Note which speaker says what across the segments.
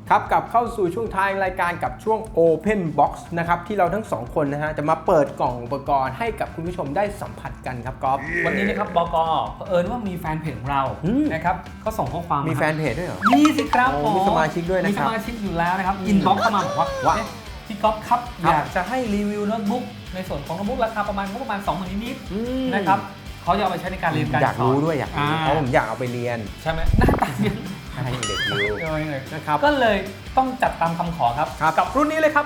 Speaker 1: ครับกลับเข้าสู่ช่วงท้ายรายการกับช่วง Open Box นะครับที่เราทั้งสองคนนะฮะจะมาเปิดกล่องอุปกรณ์ให้กับคุณผู้ชมได้สัมผัสกันครับก๊อฟ
Speaker 2: วันนี้นะครับบก.เผอิญว่ามีแฟนเพจของเรานะครับก็ส่งข้อความ
Speaker 1: มีแฟนเพจด้วยเหรอ
Speaker 2: มีสิครับ
Speaker 1: มีสมาชิกด้วยนะครับ
Speaker 2: มีสมาชิกอยู่แล้วนะครับอินบ็อกซ์เข้ามาบอกว่าพี่ก๊อฟครับอยากจะให้รีวิวโน้ตบุ๊กในส่วนของโน้ตบุ๊กราคาประมาณ20,000นิดๆนะครับเขาจะเอาไปใช้ในการเรียนการสอน
Speaker 1: อยากรู้ด้วยอยากรู้เพราะผมอยากเอาไปเรียน
Speaker 2: ใช่ไหมหน้าตาเนี่ย
Speaker 1: ให้เด็กรู้
Speaker 2: นะครับก็เลยต้องจัดตามคำขอครับกับรุ่นนี้เลยครับ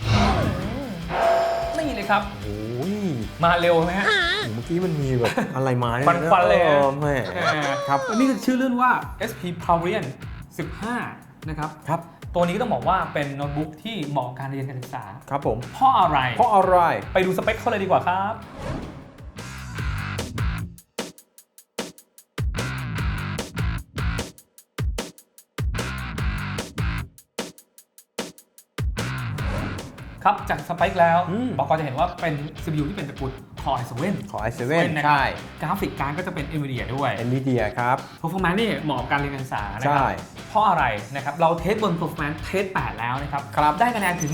Speaker 2: นี่เลยครับ
Speaker 1: โอ้ย
Speaker 2: มาเร็วไหมฮะ
Speaker 1: เมื่อกี้มันมีแบบอะไรมาเนี่ย
Speaker 2: ฟันเลย
Speaker 1: แม่
Speaker 2: ครับอันนี้คือชื่อรุ่นว่า SP Pavilion 15นะครับตัวนี้ก็ต้องบอกว่าเป็นโน้ตบุ๊กที่เหมาะกับการเรียนการศึกษา
Speaker 1: ครับผม
Speaker 2: เพราะอะไรไปดูสเปคเขาเลยดีกว่าครับครับจากสเปคแล้วบอกก็จะเห็นว่าเป็น CPU ที่เป็นตระกูล Core i7
Speaker 1: ใช่
Speaker 2: กราฟิกการ์ดก็จะเป็น NVIDIA ด้วย
Speaker 1: NVIDIA ครับ
Speaker 2: Performance นี่เหมาะกับการเรียนการศึกษานะครับเพราะอะไรนะครับเราเทสบน Performance เทส8แล้วนะครับได้คะแนนถึง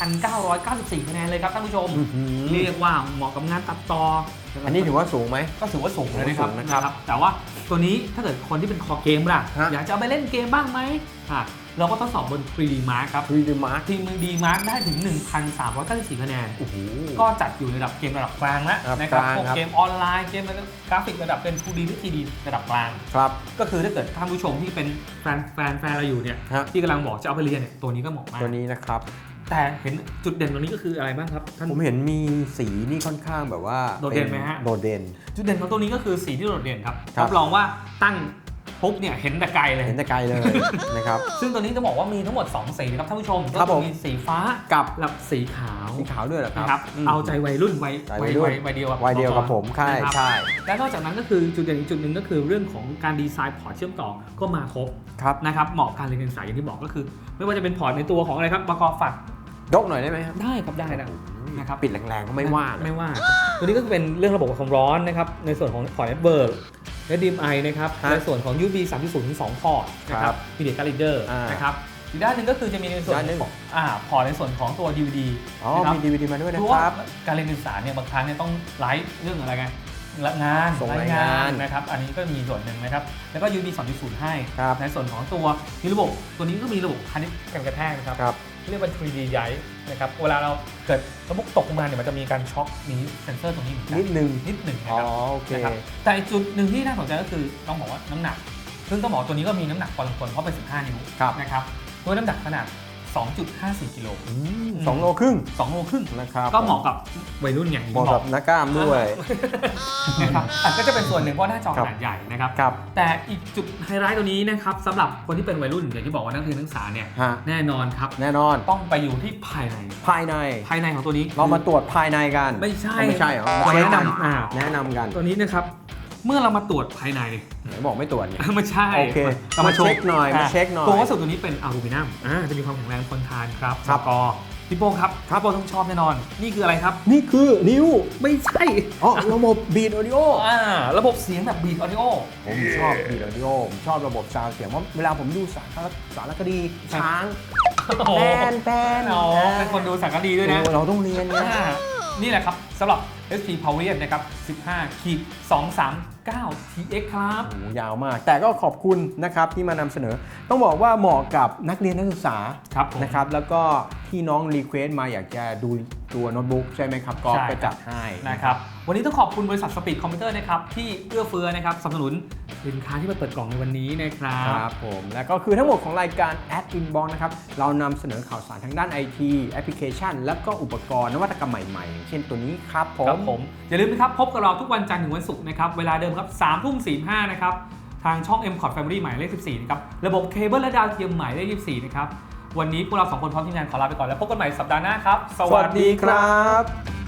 Speaker 2: 1,994 คะแนนเลยครับท่านผู้ชมเรียกว่าเหมาะกับงานตัดต่อ
Speaker 1: อันนี้ถือว่าสูงไหม
Speaker 2: ก็ถือว่าสูงเลยนะครับแต่ว่าตัวนี้ถ้าเกิดคนที่เป็นคอเกมล่ะอยากจะเอาไปเล่นเกมบ้างไหมเราก็ทดสอบบน 3D Mark ครับ
Speaker 1: 3D Mark
Speaker 2: ทีม 3D Mark ได้ถึง 1,394 คะแนนก็จัดอยู่ในระดับเกมระดับกลางแล้วนะครับพวกเกมออนไลน์เกมกราฟิกระดับเป็น 2D หรือ 3D ระดับกลาง
Speaker 1: ครับ
Speaker 2: ก็คือถ้าเกิดท่านผู้ชมที่เป็นแฟนเราอยู่เนี่ยที่กำลังบอกจะเอาไปเรียนเนี่ยตัวนี้ก็เหมาะมาก
Speaker 1: ตัวนี้นะครับ
Speaker 2: แต่เห็นจุดเด่นตรงนี้ก็คืออะไรบ้างครับท่าน
Speaker 1: ผมเห็นมีสีนี่ค่อนข้างแบบว่า
Speaker 2: โดดเด่นไหมฮะ
Speaker 1: โดดเด่น
Speaker 2: จุดเด่นของตัวนี้ก็คือสีที่โดดเด่นครับรับรองว่าตั้งปุ๊บเนี่ยเห็นแต่ไกลเลย
Speaker 1: นะครับ
Speaker 2: ซึ่งตัวนี้จะบอกว่ามีทั้งหมด2สีนะครับท่านผู้ชมก็จะมีสีฟ้า
Speaker 1: กับ
Speaker 2: สีขาว
Speaker 1: ด้วยเหรอครับ
Speaker 2: เอาใจวัยรุ่นวัยเดียว
Speaker 1: กับผมใช่
Speaker 2: และนอกจากนั้นก็คือจุดเด่นอีกจุดหนึ่งก็คือเรื่องของการดีไซน์พอร์ตเชื่อมต่อก็มาครบนะครับเหมาะการเรียนการศึกษาอย่างที่บอกก็คือไม่ว่าจะเป็นพอร์ตในตัวของอะไรครับประกอบฝัก
Speaker 1: ยกหน่อยได้ไหมครับ
Speaker 2: ได้ครับได้นะครับ
Speaker 1: ปิดแรงๆก็ไม่ว่า
Speaker 2: ตัวนี้ก็เป็นเรื่องระบบความร้อนนะครับในส่วนของพอร์ตเน็ตเวิร์กHDMI นะครับในส่วนของ USB 3.0 ถึง 2 พอร์ตนะครับ Media Card Reader นะครับอีกด้านหนึ่งก็คือจะมีในส่วนของพอร์ตในส่วนของตัว DVD
Speaker 1: มี DVD มาด้วยนะครับ
Speaker 2: การเรียนการศึกษาเนี่ยบางครั้งเนี่ยต้องไลฟ์เรื่องอะไรไง
Speaker 1: ส่งรายงาน
Speaker 2: นะครับอันนี้ก็มีส่วนหนึ่งนะครับแล้วก็ USB 2.0 ให้ในส่วนของตัวมีระบบตัวนี้ก็มีระบบพาณิชย์กันกระแทกนะครับเรียกว่า 3D ย้ายนะครับเวลาเราเกิดระบบตกลงมาเนี่ยมันจะมีการช็อคมีเซนเซอร์ตรงนี้
Speaker 1: นิดหนึ่ง
Speaker 2: นะครับแต่อีกจุดหนึ่งที่น่าสนใจก็คือต้องบอกว่าน้ำหนักซึ่งต้องบอกตัวนี้ก็มีน้ำหนักพอสมควรเพราะเป็น15 นิ้วนะครับด้วยน้ำหนักขนาด 2.54 กิโล
Speaker 1: 2 โลครึ่ง
Speaker 2: นะครับก็เหมาะกับวัยรุ่นอย่าง
Speaker 1: เหมาะกับนักกล้ามด้วย
Speaker 2: นะครับก็จะเป็นส่วนหนึ่งเพราะหน้าจอขนาดใหญ่นะครับแต่อีกจุดไฮไลท์ตัวนี้นะครับสำหรับคนที่เป็นวัยรุ่นอย่างที่บอกว่านักเรียนนักศึกษาเนี่ยแน่นอนครับต้องไปอยู่ที่ภายในของตัวนี้
Speaker 1: เรามาตรวจภายในกัน
Speaker 2: ไม่ใช่
Speaker 1: เหรอ
Speaker 2: แนะ
Speaker 1: นำกัน
Speaker 2: ตัวนี้นะครับเมื่อเรามาตรวจภายใน
Speaker 1: บอกไม่ตรวจเนี่ย
Speaker 2: ไม่ใช่
Speaker 1: โอเคมาเช็คหน่อย
Speaker 2: ตัววัสดุตัวนี้เป็นอลูมิเนียมจะมีความแข็งแรงทนทานครับก็พี่โป้ครับพี่โป้ต้องชอบแน่นอนนี่คืออะไรครับ
Speaker 1: นี่คือนิ้ว
Speaker 2: ไม่ใช่
Speaker 1: ระบบบีทออดิโอ
Speaker 2: ระบบเสียงแบบบีทออดิโอ
Speaker 1: ผมชอบบีทออดิโอผมชอบระบบซาวด์เสียงเพราะเวลาผมดูสารคดีช้างแป้น
Speaker 2: เป็นคนดูสารคดีด้วยนะ
Speaker 1: เราต้องเรียน
Speaker 2: นี่แหละครับสำหรับ SP Pavilion นะครับ15-239 TX ครับ
Speaker 1: ยาวมากแต่ก็ขอบคุณนะครับที่มานำเสนอต้องบอกว่าเหมาะกับนักเรียนนักศึกษานะครับแล้วก็ที่น้องรีเควสมาอยากจะดูตัวโน้ตบุ๊กใช่ไหมครับก็จัดให้
Speaker 2: นะครับวันนี้ต้องขอบคุณบริษัทสปีดคอมพิวเตอร์นะครับที่เอื้อเฟื้อนะครับสนับสนุนสินค้าที่มาเปิดกล่องในวันนี้นะครับ
Speaker 1: ผมและก็คือทั้งหมดของรายการ Ad Inbox นะครับเรานำเสนอข่าวสารทางด้าน IT แอปพลิเคชันและก็อุปกรณ์นวัตกรรมใหม่ๆเช่นตัวนี้ครับ
Speaker 2: ผมอย่าลืมนะครับพบกับเราทุกวันจันทร์ถึงวันศุกร์นะครับเวลาเดิมครับ 3:45 นะครับทางช่อง M-Cord Family หมายเลข 14 นะครับระบบเคเบิลและดาวเทียมหมายเลข 24 นะครับวันนี้พวกเรา2 คนพร้อมทีมงานขอลาไปก่อนแล้วพบกันใหม่สัปดาห์หน้าครับ
Speaker 1: สวัสดีครับ